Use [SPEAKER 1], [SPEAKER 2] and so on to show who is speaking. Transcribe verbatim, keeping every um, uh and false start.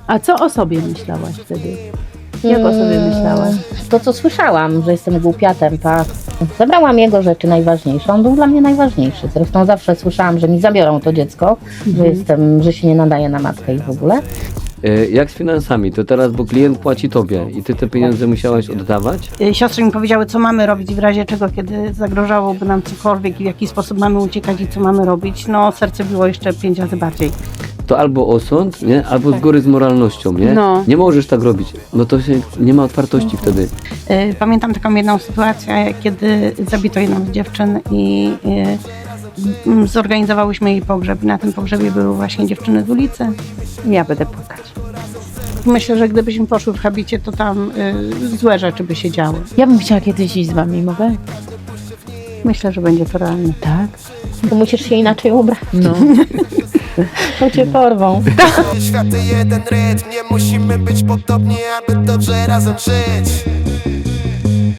[SPEAKER 1] A co o sobie myślałaś wtedy? Jak o sobie myślałaś?
[SPEAKER 2] To, co słyszałam, że jestem głupiatem, tak. Zabrałam jego rzeczy najważniejsze. On był dla mnie najważniejszy. Zresztą zawsze słyszałam, że mi zabiorą to dziecko,
[SPEAKER 1] Mhm.
[SPEAKER 2] że jestem, że się nie nadaje na matkę i w ogóle.
[SPEAKER 3] E, Jak z finansami? To teraz, bo klient płaci tobie i ty te pieniądze musiałaś oddawać?
[SPEAKER 4] Y, Siostry mi powiedziały, co mamy robić w razie czego, kiedy zagrożałoby nam cokolwiek i w jaki sposób mamy uciekać i co mamy robić. No, serce biło jeszcze pięć razy bardziej.
[SPEAKER 3] To albo osąd, nie? Albo z góry z moralnością, nie?
[SPEAKER 1] No.
[SPEAKER 3] Nie możesz tak robić. No to się nie ma otwartości wtedy.
[SPEAKER 4] Y, Pamiętam taką jedną sytuację, kiedy zabito jedną z dziewczyn i y, mm, zorganizowałyśmy jej pogrzeb. I na tym pogrzebie były właśnie dziewczyny z ulicy.
[SPEAKER 1] Ja będę płakać.
[SPEAKER 4] Myślę, że gdybyśmy poszły w habicie, to tam y, złe rzeczy by się działy.
[SPEAKER 1] Ja bym chciała kiedyś iść z wami, mogę?
[SPEAKER 4] Myślę, że będzie to realne.
[SPEAKER 1] Tak.
[SPEAKER 2] To musisz się inaczej ubrać,
[SPEAKER 1] No.
[SPEAKER 2] to cię porwą.
[SPEAKER 5] Światy jeden rytm, nie musimy być podobni, aby dobrze razem żyć.